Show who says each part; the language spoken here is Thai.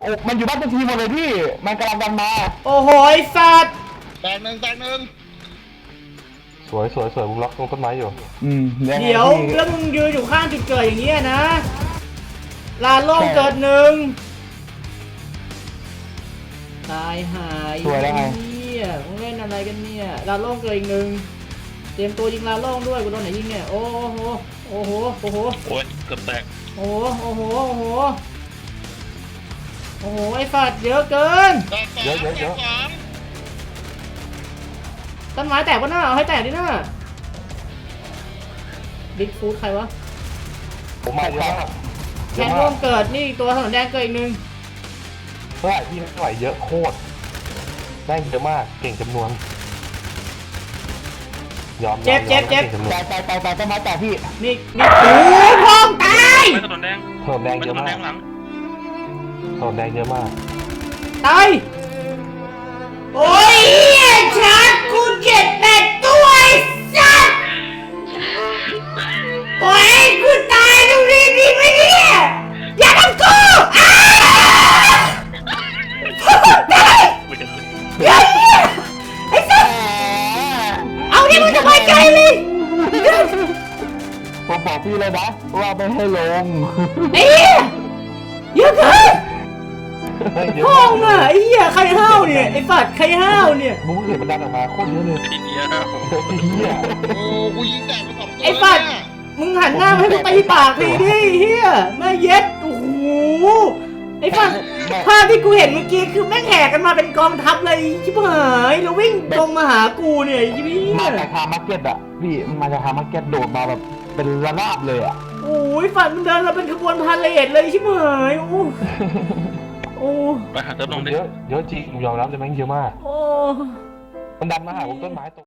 Speaker 1: โอ้มันอยู่บ้านเป็นทีมหมดเลยพี่มันกำลังดันมา
Speaker 2: โอ้โหไอ้สัตว์
Speaker 3: แตกหนึ่ง
Speaker 4: สวยมึงล็อกตรงต้นไม้อยู่
Speaker 2: เดี๋ยวแล้วมึงยืนอยู่ข้างจุดเกิดอย่างเงี้ยนะลานโล่งเกิดหนึ่งตายหายเนี่ยมึงเล่นอะไรกันเนี่ยลานโล่งเกิดอีกหนึ่งเตรียมตัวยิงลานโล่งด้วยกูโดนไหนยิงเนี่ยโอ้โหโอ้โหโอ้โห
Speaker 3: โอ้ยเกือบแตก
Speaker 2: โอ้โหโอ้โหโอ้โหโอ้โหไอ้ฝัดเยอะเกิน
Speaker 4: เยอะ
Speaker 2: ต้นไม้แตกปะหน้าเอาให้แตกดิหน้าบิ๊กฟูดใครวะ
Speaker 4: ผมมาเยอะมาก
Speaker 2: แคนร่วมเกิดนี่ตัวถนนแดงเกิดอีกนึง
Speaker 4: เท่าไหร่พี่ไม่ไหวเยอะโคตรได้เยอะมากเก่งจำนวนยอม
Speaker 2: เจ็บ
Speaker 1: ตายต้นไม้แตกพี่
Speaker 2: นี่โอ้ยพองตาย
Speaker 3: ถนนแดง
Speaker 4: เยอะมากถนนแดงเยอะมาก
Speaker 2: ตายโอ้ยชัดกูเจ็บแปดตัวไอ้สัสโอ้ยกูตายตรงนี้ดีไหมเนี่ยอย่าทำกูตายเดี๋ยวไอ้สัสเอาที่มึงสบายใจเลย
Speaker 1: ผมบอกพี่เลยนะว่าไม่ให้ลง
Speaker 2: ไอ้เหี้ยเยอะเกินห้องอ่ะไอ้เหี้ยใครห้าวเนี่ยไอ้ฝัดใครห้าวเนี่ย
Speaker 4: มึงเห็นมันดันออกมาโคตรเยอะเลย
Speaker 3: ไอ้เหี้ยโอ้กูยิงแตกไป2 ตัว
Speaker 2: ไอ้ฝัดมึงหันหน้ามาให้กูตีปากทีดิเหี้ยแม่เย็ดโอ้โหไอ้ฝัดภาพที่กูเห็นเมื่อกี้คือแม่งแห่กันมาเป็นกองทัพเลยชิบหายแล้ววิ่งตรงมาหากูเนี่ยพี่
Speaker 1: มาจากทางมาร์เก็ตอ่ะพี่มาจากทางมาร์เก็ตโดดมาแบบเป็นระนาบเลยอ่ะ
Speaker 2: โอ้ยฝัดมันเดินมาเป็นขบวนพาเหรดเลยชิบหายโอ้
Speaker 3: ไปหาเติมลงดิ
Speaker 4: เยอะจริงยอมรับเลยแม่งเยอะมาก
Speaker 2: โอ้
Speaker 4: มันดันมาหาผมต้นไม้ต